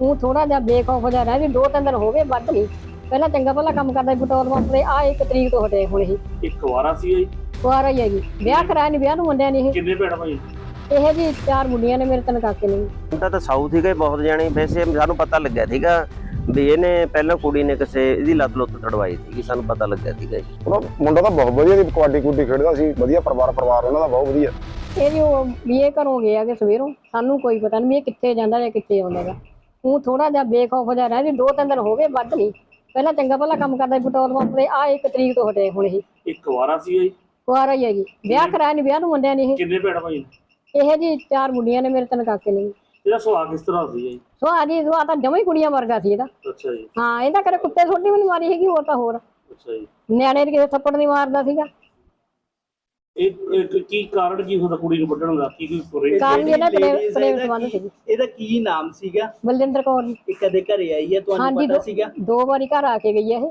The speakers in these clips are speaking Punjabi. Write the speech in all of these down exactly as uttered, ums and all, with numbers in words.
ਤੂੰ ਥੋੜਾ ਜਿਹਾ ਬੇਖੌਫ ਜਿਹਾ ਰਹਿ ਵੀ ਦੋ ਤਿੰਨ ਦਿਨ ਹੋ ਗਏ ਵੱਧ ਨਹੀਂ। ਪਹਿਲਾਂ ਚੰਗਾ ਭਲਾ ਕੰਮ ਕਰਦਾ ਪੈਟਰੋਲ ਪੰਪ ਤੇ ਆ ਇੱਕ ਤਰੀਕ ਤੋਂ ਹਟੇ ਹੁਣ ਇਹ ਇੱਕ ਵਾਰਾ ਸੀ ਜੀ ਕੁਆਰਾ ਹੀ ਹੈਗੀ ਵਿਆਹ ਕਰਾਇਆ ਨਹੀਂ ਵਿਆਹ ਨੂੰ ਮੁੰਡਿਆਂ ਨੇ ਇਹ ਕਿੰਨੇ ਭੈਣ ਭਾਈ ਇਹ ਜੀ ਚਾਰ ਮੁੰਡੀਆਂ ਨੇ ਮੇਰੇ ਤਿੰਨ ਕਾਕੇ ਨੇ। ਮੁੰਡਾ ਤਾਂ ਸਾਊਥ ਹੀ ਗਏ ਬਹੁਤ ਜਾਣੇ ਵੈਸੇ ਸਾਨੂੰ ਪਤਾ ਲੱਗਿਆ ਸੀਗਾ ਵੀ ਇਹਨੇ ਪਹਿਲਾਂ ਕੁੜੀ ਨੇ ਕਿਸੇ ਇਹਦੀ ਲੱਤ ਲੁੱਤ ਤੜਵਾਈ ਸੀਗੀ ਸਾਨੂੰ ਪਤਾ ਲੱਗਿਆ ਸੀਗਾ ਜੀ। ਉਹਦਾ ਮੁੰਡਾ ਤਾਂ ਬਹੁਤ ਵਧੀਆ ਸੀ ਕਬੱਡੀ ਕੁੱਡੀ ਖੇਡਦਾ ਸੀ ਵਧੀਆ ਪਰਿਵਾਰ ਪਰਿਵਾਰ ਉਹਨਾਂ ਦਾ ਬਹੁਤ ਵਧੀਆ। ਇਹ ਜੀ ਉਹ ਵੀ ਇਹ ਘਰੋਂ ਗਿਆ ਕਿ ਸਵੇਰੋਂ ਸਾਨੂੰ ਕੋਈ ਪਤਾ ਨਹੀਂ ਵੀ ਇਹ ਕਿੱਥੇ ਜਾਂਦਾ ਜਾਂ ਕਿੱਥੇ ਆਉਂਦਾ ਗਾ। ਤੂੰ ਥੋੜਾ ਜਿਹਾ ਬੇਖੌਫ ਜਿਹਾ ਰਹਿ ਵੀ ਦੋ ਤਿੰਨ ਦਿਨ ਹੋ ਗਏ ਵੱਧ ਨਹੀਂ। ਪਹਿਲਾਂ ਚੰਗਾ ਭਲਾ ਕੰਮ ਕਰਦਾ ਪੈਟਰੋਲ ਪੰਪ ਤੇ ਆ ਇੱਕ ਤਰੀਕ ਤੋਂ ਹਟੇ ਹੁਣ ਇਹ ਇੱਕ ਵਾਰਾ ਸੀ ਜੀ ਕੁਆਰਾ ਹੀ ਹੈਗੀ ਵਿਆਹ ਕਰਾਇਆ ਨਹੀਂ ਵਿਆਹ ਨੂੰ ਮੁੰਡਿਆਂ ਨੇ ਇਹ ਕਿੰਨੇ ਭੈਣ ਭਾਈ ਇਹ ਜੀ ਚਾਰ ਮੁੰਡੀਆਂ ਨੇ ਮੇਰੇ ਤਿੰਨ ਕਾਕੇ ਨੇ। ਇਹਦਾ ਸੁਭਾਅ ਕਿਸ ਤਰ੍ਹਾਂ ਸੀ ਜੀ? ਸੁਭਾਅ ਜੀ ਸੁਭਾਅ ਤਾਂ ਜਮਾਂ ਹੀ ਕੁੜੀਆਂ ਵਰਗਾ ਸੀ ਇਹਦਾ। ਅੱਛਾ ਜੀ ਹਾਂ ਇਹਦਾ ਕਦੇ ਕੁੱਤੇ ਛੋਟੀ ਵੀ ਨਹੀਂ ਮਾਰੀ ਹੈਗੀ ਹੋਰ ਤਾਂ ਹੋਰ ਅੱਛਾ ਜੀ ਨਿਆਣੇ ਦੇ ਕਿਸੇ ਥੱਪੜ ਨਹੀਂ ਮਾਰਦਾ ਸੀਗਾ। ਇਹ ਕੀ ਕਾਰਨ ਕੀ ਹੁੰਦਾ ਕੁੜੀ ਨੂੰ ਵੱਢਣ ਦਾ ਕੀ ਕੋਈ ਕਾਰਨ ਇਹਦਾ ਪ੍ਰੇਮ ਪ੍ਰੇਮ ਸੰਬੰਧ ਸੀ। ਇਹਦਾ ਕੀ ਨਾਮ ਸੀਗਾ? ਬਲਜਿੰਦਰ ਕੌਰ ਜੀ। ਇਹ ਕਦੇ ਘਰੇ ਆਈ ਹੈ ਤੁਹਾਨੂੰ ਪਤਾ ਸੀਗਾ? ਦੋ ਵਾਰੀ ਘਰ ਆ ਕੇ ਗਈ ਹੈ ਇਹ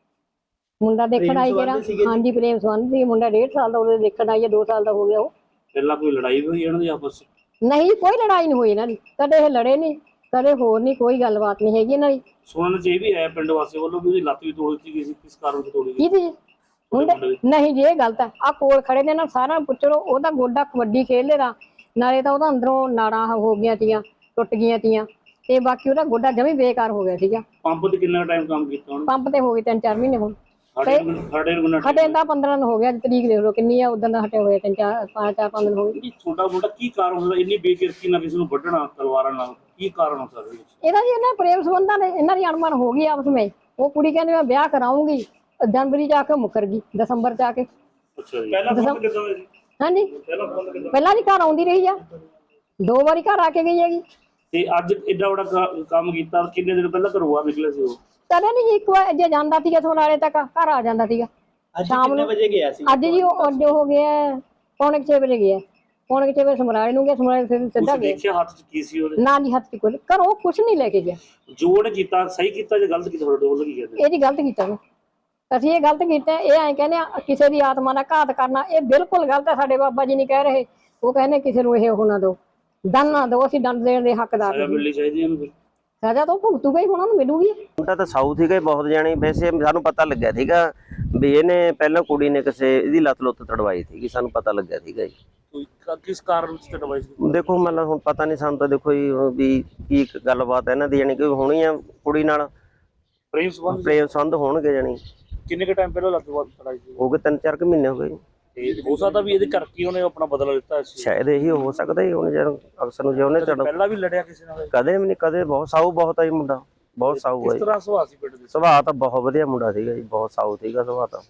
ਮੁੰਡਾ ਦੇਖਣ ਆਈ ਜਿਹੜਾ ਹਾਂਜੀ ਪ੍ਰੇਮ ਸੰਬੰਧ ਸੀ। ਮੁੰਡਾ ਡੇਢ ਸਾਲ ਦਾ ਉਹਦੇ ਦੇਖਣ ਆਈ ਹੈ ਦੋ ਸਾਲ ਦਾ ਹੋ ਗਿਆ ਉਹ। ਪਹਿਲਾਂ ਕੋਈ ਲੜਾਈ ਹੋਈ ਇਹਨਾਂ ਦੀ ਆਪਸ ਨਹੀਂ ਕੋਈ ਲੜਾਈ ਨਹੀਂ ਹੋਈ ਇਹਨਾਂ ਦੀ ਕਦੇ ਇਹ ਲੜੇ ਨਹੀਂ ਕਦੇ ਹੋਰ ਨਹੀਂ ਕੋਈ ਗੱਲਬਾਤ ਨਹੀਂ ਹੈਗੀ ਇਹਨਾਂ ਦੀ। ਸੁਣਨ ਚ ਇਹ ਵੀ ਆਇਆ ਪਿੰਡ ਵਾਸੀ ਵੱਲੋਂ ਵੀ ਉਹਦੀ ਲੱਤ ਵੀ ਤੋੜੀ ਗਈ ਸੀ ਕਿਸ ਕਾਰਨ ਤੋਂ ਤੋੜੀ ਗਈ? ਕਿਹਦੀ ਮੁੰਡੇ ਨਹੀਂ ਜੀ ਇਹ ਗਲਤ ਹੈ। ਆ ਕੋਲ ਖੜੇ ਨੇ ਨਾ ਸਾਰਾ ਪੁੱਛੋ ਉਹਦਾ ਗੋਡਾ ਕਬੱਡੀ ਖੇਡਦੇ ਦਾ ਨਾਲੇ ਤਾਂ ਉਹਦਾ ਅੰਦਰੋਂ ਨਾੜਾਂ ਹੋ ਗਈਆਂ ਤੀਆਂ ਟੁੱਟ ਗਈਆਂ ਤੀਆਂ ਤੇ ਬਾਕੀ ਉਹਦਾ ਗੋਡਾ ਜਮੀ ਬੇਕਾਰ ਹੋ ਗਿਆ ਸੀਗਾ। ਪੰਪ ਤੇ ਕਿੰਨਾ ਟਾਈਮ ਕੰਮ ਕੀਤਾ ਉਹਨੇ? ਪੰਪ ਤੇ ਹੋ ਗਏ ਤਿੰਨ ਚਾਰ ਮਹੀਨੇ ਹੁਣ ਸਾਡੇ ਸਾਡੇ ਨੂੰ ਹਟੇ ਤਾਂ ਪੰਦਰਾਂ ਦਿਨ ਹੋ ਗਿਆ ਤਰੀਕ ਦੇਖ ਲਓ ਕਿੰਨੀ ਆ ਉਦੋਂ ਦਾ ਹਟੇ ਹੋਏ ਤਿੰਨ ਚਾਰ ਪੰਜ ਚਾਰ ਪੰਜ ਦਿਨ ਹੋ ਗਏ। ਛੋਟਾ ਮੋਟਾ ਕੀ ਕਾਰਨ ਹੁੰਦਾ ਇੰਨੀ ਬੇਕਿਰਕੀ ਨਾਲ ਕਿਸੇ ਨੂੰ ਵੱਢਣਾ ਤਲਵਾਰਾਂ ਨਾਲ ਕੀ ਕਾਰਨ ਹੋ ਸਕਦਾ? ਇਹਦਾ ਜੀ ਇਹਨਾਂ ਪ੍ਰੇਮ ਸੰਬੰਧਾਂ ਨੇ ਇਹਨਾਂ ਦੀ ਅਣਮਨ ਹੋ ਗਈ ਆਪਸ ਵਿੱਚ। ਉਹ ਕੁੜੀ ਕਹਿੰਦੀ ਮੈਂ ਵਿਆਹ ਕਰਾਉਂਗੀ ਜਨਵਰੀ ਚ ਆ ਕੇ ਮੁੱਕਰ ਗਈ ਦਸੰਬਰ ਚ ਆ ਕੇ। ਅੱਛਾ ਜੀ ਪਹਿਲਾਂ ਫੋਨ ਕਿੱਦਾਂ ਹੋਇਆ ਜੀ? ਹਾਂਜੀ ਪਹਿਲਾਂ ਫੋਨ ਕਿੱਦਾਂ? ਪਹਿਲਾਂ ਜੀ ਘਰ ਆਉਂਦੀ ਰਹੀ ਆ ਦੋ ਵਾਰੀ ਘਰ ਆ ਕੇ ਗਈ ਹੈਗੀ। ਤੇ ਅੱਜ ਏਡਾ ਵੱਡਾ ਕੰਮ ਕੀਤਾ ਕਿੰਨੇ ਦਿਨ ਪਹਿਲਾਂ ਘਰੋਂ ਆ ਨਿਕਲੇ ਸੀ ਉਹ? ਕਦੇ ਨਹੀਂ ਜੀ ਇੱਕ ਵਾਰ ਜੇ ਜਾਂਦਾ ਸੀਗਾ ਸੋਨਾਲੇ ਤੱਕ ਘਰ ਆ ਜਾਂਦਾ ਸੀਗਾ ਸ਼ਾਮ ਨੂੰ ਵਜੇ ਗਿਆ ਸੀ? ਅੱਜ ਜੀ ਉਹ ਅੱਜ ਹੋ ਗਿਆ ਪੌਣੇ ਛੇ ਵਜੇ ਗਿਆ ਪੌਣੇ ਛੇ ਵਜੇ ਸਮਰਾਲੇ ਨੂੰ ਗਿਆ ਸਮਰਾਲੇ ਸਿੱਧਾ ਤੁਸੀਂ ਗਿਆ। ਦੇਖਿਆ ਹੱਥ ਚ ਕੀ ਸੀ ਉਹਦੇ? ਨਾ ਜੀ ਹੱਥ ਚ ਕੋਈ ਘਰੋਂ ਕੁਛ ਨਹੀਂ ਲੈ ਕੇ ਗਿਆ। ਜੋ ਉਹਨੇ ਕੀਤਾ ਸਹੀ ਕੀਤਾ ਜਾਂ ਗਲਤ ਕੀਤਾ ਤੁਹਾਡੇ ਵੱਲੋਂ ਕੀ ਕਹਿੰਦੇ? ਇਹ ਜੀ ਗਲਤ ਕੀਤਾ ਵਾ। ਅਸੀਂ ਇਹ ਗਲਤ ਕੀਤਾ ਇਹ ਐਂ ਕਹਿੰਦੇ ਆ ਕਿਸੇ ਦੀ ਆਤਮਾ ਦਾ ਘਾਤ ਕਰਨਾ ਇਹ ਬਿਲਕੁਲ ਗਲਤ ਹੈ। ਸਾਡੇ ਬਾਬਾ ਜੀ ਨਹੀਂ ਕਹਿ ਰਹੇ ਉਹ ਕਹਿੰਦੇ ਕਿਸੇ ਨੂੰ ਇਹ ਉਹ ਨਾ ਦਿਓ ਦੰਡ ਨਾ ਦਿਓ ਅਸੀਂ ਦੰਡ ਦੇਣ ਦੇ ਹੱਕਦਾਰ ਸਜ਼ਾ ਮਿਲਣੀ ਚਾਹੀਦੀ ਇਹਨੂੰ ਫਿਰ। ਸਜ਼ਾ ਤਾਂ ਭੁਗਤੂਗਾ ਹੀ ਉਹਨਾਂ ਨੂੰ ਮਿਲੂਗੀ। ਮੁੰਡਾ ਤਾਂ ਸਾਊਥ ਹੀ ਗਏ ਬਹੁਤ ਜਾਣੇ ਵੈਸੇ ਸਾਨੂੰ ਪਤਾ ਲੱਗਿਆ ਸੀਗਾ ਵੀ ਇਹਨੇ ਪਹਿਲਾਂ ਕੁੜੀ ਨੇ ਕਿਸੇ ਇਹਦੀ ਲੱਤ ਲੁੱਤ ਤੜਵਾਈ ਸੀਗੀ ਸਾਨੂੰ ਪਤਾ ਲੱਗਿਆ ਸੀਗਾ ਜੀ। ਕਿਸ ਕਾਰਨ ਵਿੱਚ ਤੜਵਾਈ ਸੀ? ਦੇਖੋ ਮਤਲਬ ਹੁਣ ਪਤਾ ਨਹੀਂ ਸਾਨੂੰ ਤਾਂ ਦੇਖੋ ਜੀ ਵੀ ਕੀ ਗੱਲਬਾਤ ਇਹਨਾਂ ਦੀ ਜਾਣੀ ਕਿ ਹੋਣੀ ਆ ਕੁੜੀ ਨਾਲ ਪ੍ਰੇਮ ਸੰਬੰਧ ਪ੍ਰੇਮ ਸੰਬੰਧ ਹੋਣਗੇ ਜਾਣੀ। ਕਿੰਨੇ ਕ ਟਾਈਮ ਪਹਿਲਾਂ ਲੱਤ ਤੜਾਈ ਸੀ? ਹੋ ਗਏ ਤਿੰਨ ਚਾਰ ਕੁ ਮਹੀਨੇ ਹੋ ਗਏ। ਤੇ ਹੋ ਸਕਦਾ ਵੀ ਇਹਦੇ ਕਰਕੇ ਉਹਨੇ ਆਪਣਾ ਬਦਲਾ ਲਿੱਤਾ ਸੀ। ਸ਼ਾਇਦ ਇਹੀ ਹੋ ਸਕਦਾ ਹੀ ਹੁਣ ਜਦੋਂ ਅਕਸਰ ਨੂੰ ਜੇ ਉਹਨੇ ਚੜ੍ਹ ਪਹਿਲਾਂ ਵੀ ਲੜਿਆ ਕਿਸੇ ਨਾਲ? ਕਦੇ ਵੀ ਨਹੀਂ ਕਦੇ ਬਹੁਤ ਸਾਊ ਬਹੁਤ ਆ ਜੀ ਮੁੰਡਾ ਬਹੁਤ ਸਾਊ ਹੈ ਕਿਸ ਤਰ੍ਹਾਂ ਸੁਭਾਅ ਸੀ ਪਿੰਡ ਦੇ? ਸੁਭਾਅ ਤਾਂ ਬਹੁਤ ਵਧੀਆ ਮੁੰਡਾ ਸੀਗਾ ਜੀ ਬਹੁਤ ਸਾਊ ਸੀਗਾ ਸੁਭਾਅ ਤਾਂ।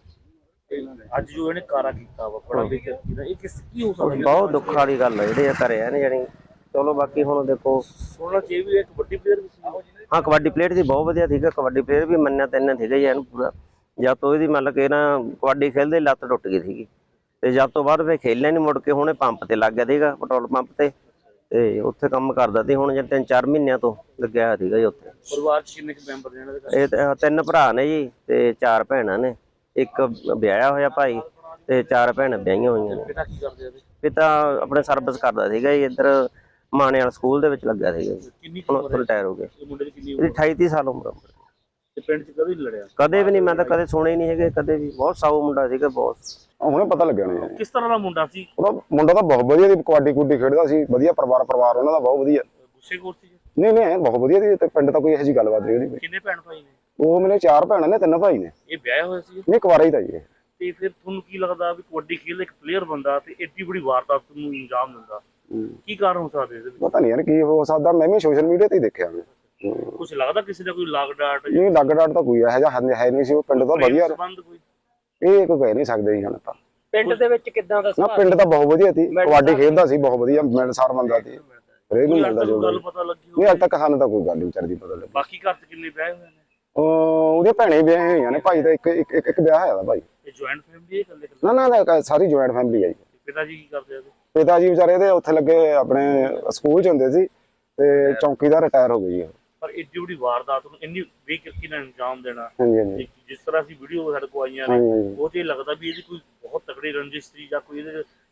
ਅੱਜ ਜੋ ਇਹਨੇ ਕਾਰਾ ਕੀਤਾ ਵਾ ਬੜਾ ਬੇਇੱਜ਼ਤੀ ਦਾ ਇਹ ਕਿਸ ਕੀ ਹੋ ਸਕਦਾ? ਬਹੁਤ ਦੁੱਖ ਵਾਲੀ ਗੱਲ ਹੈ ਜਿਹੜੇ ਕਰਿਆ ਨੇ ਜਾਣੀ। ਚਲੋ ਬਾਕੀ ਹੁਣ ਦੇਖੋ ਸੁਣਨਾ ਚਾਹੀਦਾ ਵੀ ਇੱਕ ਵੱਡੀ ਪਲੇਅਰ ਵੀ ਸੀ। ਹਾਂ ਕਬੱਡੀ ਪਲੇਅਰ ਦੀ ਬਹੁਤ ਵਧੀਆ ਸੀਗਾ ਕਬੱਡੀ ਪਲੇਅਰ ਵੀ ਮੰਨਿਆ ਤੈਨਾਂ ਸੀਗਾ ਜੀ ਇਹਨੂੰ ਪੂਰਾ। ਜਦ ਤੋਂ ਇਹਦੀ ਮਤਲਬ ਕਿ ਨਾ ਕਬੱਡੀ ਖੇਲਦੇ ਲੱਤ ਟੁੱਟ ਗਈ ਸੀਗੀ ਤੇ ਜਦ ਤੋਂ ਬਾਅਦ ਫਿਰ ਖੇਲਿਆ ਨਹੀਂ ਮੁੜ ਕੇ ਹੁਣੇ ਪੰਪ ਤੇ ਲੱਗ ਗਿਆ ਸੀਗਾ ਪੈਟਰੋਲ ਪੰਪ ਤੇ ਤੇ ਉੱਥੇ ਕੰਮ ਕਰਦਾ ਸੀ ਹੁਣ ਜੇ ਤਿੰਨ ਚਾਰ ਮਹੀਨਿਆਂ ਤੋਂ ਲੱਗਿਆ ਹੋਇਆ ਸੀਗਾ ਜੀ ਉੱਥੇ। ਪਰਿਵਾਰ ਚ ਕਿੰਨੇ ਮੈਂਬਰ ਨੇ ਇਹਨਾਂ ਦੇ? ਇਹ ਤੇ ਤਿੰਨ ਭਰਾ ਨੇ ਜੀ ਤੇ ਚਾਰ ਭੈਣਾਂ ਨੇ ਇੱਕ ਵਿਆਹਿਆ ਹੋਇਆ ਭਾਈ ਤੇ ਚਾਰ ਭੈਣਾਂ ਵਿਆਹੀਆਂ ਹੋਈਆਂ ਨੇ। ਪਿਤਾ ਕੀ ਕਰਦੇ ਆ? ਪਿਤਾ ਆਪਣੇ ਸਰਵਿਸ ਕਰਦਾ ਸੀਗਾ ਜੀ ਇੱਧਰ ਮਾਣੇ ਵਾਲਾ ਸਕੂਲ ਦੇ ਵਿੱਚ ਲੱਗਾ ਸੀਗਾ ਜੀ। ਕਿੰਨੀ ਹੁਣ ਰਿਟਾਇਰ ਹੋ ਗਏ। ਮੁੰਡੇ ਦੀ ਕਿੰਨੀ ਇਹਦੀ ਅਠਾਈ ਤੀਹ ਸਾਲ ਉਮਰ। ਤੇ ਪਿੰਡ ਚ ਕਦੇ ਲੜਿਆ? ਕਦੇ ਵੀ ਨਹੀਂ ਮੈਂ ਤਾਂ ਕਦੇ ਸੁਣੇ ਹੀ ਨਹੀਂ ਹੈਗੇ ਕਦੇ ਵੀ। ਬਹੁਤ ਸਾਊ ਮੁੰਡਾ ਸੀਗਾ ਬਹੁਤ। ਹੁਣੇ ਪਤਾ ਲੱਗਿਆ ਨੇ ਕਿਸ ਤਰ੍ਹਾਂ ਦਾ ਮੁੰਡਾ ਸੀ? ਉਹਦਾ ਮੁੰਡਾ ਤਾਂ ਬਹੁਤ ਵਧੀਆ ਸੀ ਕਬੱਡੀ ਕੁੱਡੀ ਖੇਡਦਾ ਸੀ ਵਧੀਆ ਪਰਿਵਾਰ ਪਰਿਵਾਰ ਉਹਨਾਂ ਦਾ ਬਹੁਤ ਵਧੀਆ। ਗੁੱਸੇ ਖੋਰ ਸੀ? ਨਹੀਂ ਨਹੀਂ ਬਹੁਤ ਵਧੀਆ ਸੀ ਤੇ ਪਿੰਡ ਤਾਂ ਕੋਈ ਇਹੋ ਜਿਹੀ ਗੱਲਬਾਤ ਨਹੀਂ ਉਹਦੀ। ਕਿੰਨੇ ਭੈਣ ਭਾਈ ਨੇ? ਉਹ ਮੇਰੇ ਚਾਰ ਭੈਣਾਂ ਨੇ ਤਿੰਨ ਭਾਈ ਨੇ। ਇਹ ਵਿਆਹਿਆ ਹੋਇਆ ਸੀ? ਨਹੀਂ ਕੁਆਰਾ ਹੀ ਤਾਂ ਜੀ। ਤੇ ਫਿਰ ਤੁਹਾਨੂੰ ਕੀ ਲੱਗਦਾ ਵੀ ਕਬੱਡੀ ਖੇਡਦਾ ਇੱਕ ਪਲੇਅਰ ਬੰਦਾ ਤੇ ਏਡੀ ਬੜੀ ਵਾਰਦਾਤ ਨੂੰ ਇੰਜਾਮ ਦਿੰਦਾ ਕੀ ਕਾਰਨ ਹੋ ਸਕਦਾ ਇਹਦੇ ਵਿੱਚ? ਪਤਾ ਨਹੀਂ ਯਾਰ ਕੀ ਹੋ ਸਕਦਾ ਮੈਂ ਵੀ ਸੋਸ਼ਲ ਮੀਡੀਆ ਤੇ ਹੀ ਦੇਖਿਆ ਮੈਂ। ਕੁਝ ਲੱਗਦਾ ਕਿਸੇ ਦਾ ਕੋਈ ਲਾਗ ਡਾਟ ਨਹੀਂ ਲੱਗ ਡਾਟ ਤਾਂ ਕੋਈ ਇਹੋ ਜਿਹਾ ਹੈ ਨਹੀਂ ਸੀ ਉਹ ਪਿੰਡ ਤਾਂ ਵਧੀਆ ਸੰਬੰਧ ਕੋਈ ਇਹ ਕੋਈ ਕਹਿ ਨਹੀਂ ਸਕਦੇ ਜੀ ਹੁਣ ਤਾਂ। ਪਿੰਡ ਦੇ ਵਿੱਚ ਕਿੱਦਾਂ ਦਾ ਨਾ ਪਿੰਡ ਤਾਂ ਬਹੁਤ ਵਧੀਆ ਸੀ ਕਬੱਡੀ ਖੇਡਦਾ ਸੀ ਬਹੁਤ ਵਧੀਆ ਮਿਲਣਸਾਰ ਬੰਦਾ ਸੀ ਹਰੇਕ ਨੂੰ ਮਿਲਦਾ ਜੋ ਗੱਲ ਪਤਾ ਲੱਗੀ ਨਹੀਂ ਅੱਜ ਤੱਕ ਸਾਨੂੰ ਤਾਂ ਕੋਈ ਗੱਲ ਨਹੀਂ ਵਿਚਾਰੀ ਪਤਾ ਲੱਗੀ। ਬਾਕੀ ਘਰ ਚ ਕਿੰਨੇ ਵਿਆਹ ਹੋਏ ਨੇ? ਉਹਦੇ ਭੈਣੇ ਵਿਆਹੇ ਹੋਈਆਂ ਨੇ ਭਾਈ ਦਾ ਇੱਕ ਇੱਕ ਇੱਕ ਵਿਆਹ ਹੋਇਆ ਦਾ ਭਾਈ। ਇਹ ਜੁਆਇੰਟ ਫੈਮਿਲੀ ਹੈ ਇਕੱਲੇ? ਨਾ ਨਾ ਸਾਰੀ ਜੁਆਇੰਟ ਫੈਮਿਲੀ ਹੈ ਜੀ। ਪਿਤਾ ਜੀ ਕੀ ਕਰਦੇ ਆ? ਪਿਤਾ ਜੀ ਵਿਚਾਰੇ ਦੇ ਉੱਥੇ ਲੱਗੇ ਆਪਣੇ ਸਕੂਲ ਚ ਹੁੰਦੇ ਸੀ ਤੇ ਚੌਂਕੀਦਾਰ ਰਿਟਾਇਰ ਹੋ ਗਈ। ਪਰ ਏਡੀ ਬੜੀ ਵਾਰਦਾਤ ਨੂੰ ਇੰਨੀ ਬੇਕਿਰਕੀ ਨਾਲ ਅੰਜਾਮ ਦੇਣਾ ਹਾਂਜੀ ਹਾਂਜੀ ਜਿਸ ਤਰ੍ਹਾਂ ਅਸੀਂ ਵੀਡੀਓ ਸਾਡੇ ਕੋਲ ਆਈਆਂ ਨੇ ਉਹ ਤੇ ਲੱਗਦਾ ਵੀ ਇਹਦੀ ਕੋਈ ਬਹੁਤ ਤਕੜੀ ਰੰਜਿਸ਼ ਸੀ ਜਾਂ ਕੋਈ ਇਹਦੇ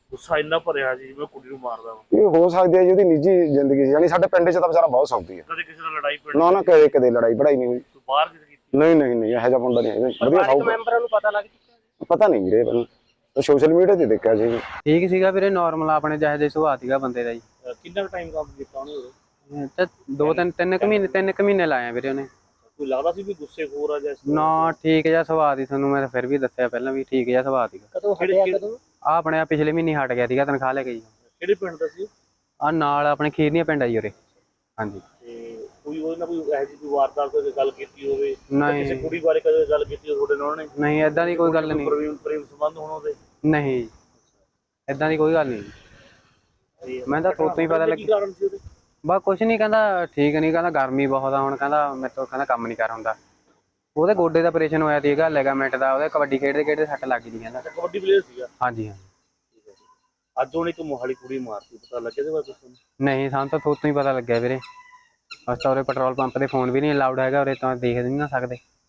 ਗੁੱਸਾ ਇੰਨਾ ਭਰਿਆ ਜੀ ਜਿਵੇਂ ਕੁੜੀ ਨੂੰ ਮਾਰਦਾ ਵਾ। ਇਹ ਹੋ ਸਕਦੀ ਹੈ ਜੀ ਉਹਦੀ ਨਿੱਜੀ ਜ਼ਿੰਦਗੀ ਸੀ, ਯਾਨੀ ਸਾਡੇ ਪਿੰਡ 'ਚ ਤਾਂ ਵਿਚਾਰਾ ਬਹੁਤ ਸੌਖੀ ਹੈ। ਕਦੇ ਕਿਸੇ ਨਾਲ ਲੜਾਈ ਪੜੀ ਨਾ ਨਾ ਕਦੇ ਕਦੇ ਲੜਾਈ ਪੜਾਈ ਨਹੀਂ ਹੋਈ। ਤੂੰ ਬਾਹਰ ਕਿਤੇ ਕੀਤੀ? ਨਹੀਂ ਨਹੀਂ ਨਹੀਂ ਇਹੋ ਜਿਹਾ ਮੁੰਡਾ ਨਹੀਂ ਹੈਗਾ, ਵਧੀਆ ਪਰਿਵਾਰਕ ਸੌਖਾ। ਮੈਂਬਰਾਂ ਨੂੰ ਪਤਾ ਲੱਗ ਚੁੱਕਾ? ਪਤਾ ਨਹੀਂ ਵੀਰੇ, ਮੈਨੂੰ ਸੋਸ਼ਲ ਮੀਡੀਆ ਤੇ ਦੇਖਿਆ ਸੀ। ਠੀਕ ਸੀਗਾ ਵੀਰੇ, ਨਾਰਮਲ ਆਪਣੇ ਜਿਹੇ ਜਿਹੇ ਸੁਭਾਅ ਸੀਗਾ ਬੰਦੇ ਦਾ ਜੀ। ਅਹ ਕਿੰਨਾ ਟਾਈਮ ਕੰਮ ਕੀਤਾ ਉਹਨੇ ਉਰੇ? ਤੇ ਦੋ ਤਿੰਨ ਤਿੰਨ ਕੁ ਮਹੀਨੇ ਤਿੰਨ ਕੁ ਮਹੀਨੇ ਲਾਏ ਆ ਵੀਰੇ ਉਹਨੇ। ਕੋਈ ਲੱਗਦਾ ਸੀ ਵੀ ਗੁੱਸੇਖੋਰ ਆ ਜਾਂ ਇਸ ਤਰ੍ਹਾਂ? ਨਾ ਠੀਕ ਜਿਹਾ ਸੁਭਾਅ ਦੀ, ਤੁਹਾਨੂੰ ਮੈਂ ਫਿਰ ਵੀ ਦੱਸਿਆ ਪਹਿਲਾਂ ਵੀ ਠੀਕ ਜਿਹਾ ਸੁਭਾਅ ਸੀਗਾ। ਕਦੋਂ ਹਟਿਆ ਕਦੋਂ? ਆ ਆਪਣੇ ਆਹ ਪਿਛਲੇ ਮਹੀਨੇ ਹਟ ਗਿਆ ਸੀਗਾ, ਤਨਖਾਹ ਲੈ ਕੇ ਜੀ। ਕਿਹੜੇ ਪਿੰਡ ਦਾ ਸੀ? ਆ ਨਾਲ ਆਪਣੇ ਖੀਰਨੀਆਂ ਪਿੰਡ ਆ ਜੀ ਉਰੇ। ਹਾਂਜੀ। ਤੇ ਕੋਈ ਉਹਦੇ ਨਾਲ ਕੋਈ ਇਹੋ ਜਿਹੀ ਕੋਈ ਵਾਰਦਾਤ ਕੋਈ ਗੱਲ ਕੀਤੀ ਹੋਵੇ? ਨਹੀਂ ਕਿਸੇ ਕੁੜੀ ਬਾਰੇ ਕਦੇ ਗੱਲ ਕੀਤੀ ਹੋਵੇ ਤੁਹਾਡੇ ਨਾਲ ਉਹਨੇ? ਨਹੀਂ ਏਦਾਂ ਦੀ ਕੋਈ ਗੱਲ ਨਹੀਂ। ਪ੍ਰੇਮ ਪ੍ਰੇਮ ਸੰਬੰਧ ਹੋਣ ਉਹਦੇ? ਨਹੀਂ ਏਦਾਂ ਦੀ ਕੋਈ ਗੱਲ ਨਹੀਂ। ਮੈਂ ਤਾਂ ਥੋਤੋਂ ਹੀ ਪਤਾ ਕੀ ਲੱਗੀ। ਕਾਰਨ ਸੀ ਉਹਦੇ? ਬਸ ਕੁਛ ਨਹੀਂ, ਕਹਿੰਦਾ ਠੀਕ ਨਹੀਂ, ਕਹਿੰਦਾ ਗਰਮੀ ਬਹੁਤ ਆ ਹੁਣ, ਕਹਿੰਦਾ ਮੇਰੇ ਤੋਂ ਕਹਿੰਦਾ ਕੰਮ ਨਹੀਂ ਕਰ ਹੁੰਦਾ। ਉਹਦੇ ਗੋਡੇ ਦਾ ਆਪਰੇਸ਼ਨ ਹੋਇਆ ਸੀਗਾ, ਲਿਗਾਮੈਂਟ ਦਾ, ਉਹਦੇ ਕਬੱਡੀ ਖੇਡਦੇ ਖੇਡਦੇ ਸੱਟ ਲੱਗ ਗਈ ਕਹਿੰਦਾ। ਕਬੱਡੀ ਪਲੇਅਰ ਸੀਗਾ? ਹਾਂਜੀ ਹਾਂ। ਅੱਜ ਉਹਨੇ ਇੱਕ ਮੋਹਾਲੀ ਕੁੜੀ ਮਾਰਤੀ, ਪਤਾ ਲੱਗਿਆ ਇਹਦੇ ਬਾਰੇ ਤੁਹਾਨੂੰ? ਨਹੀਂ ਸਾਨੂੰ ਤਾਂ ਥੋਤੋਂ ਹੀ ਪਤਾ ਲੱਗਿਆ ਵੀਰੇ। ਅਸੀਂ ਤਾਂ ਉਰੇ ਪੈਟਰੋਲ ਪੰਪ ਤੇ ਫੋਨ ਵੀ ਨਹੀਂ ਅਲਾਉਡ ਹੈਗਾ, ਉਰੇ ਤਾਂ ਦੇਖ ਨਹੀਂ ਨਾ ਸਕਦੇ।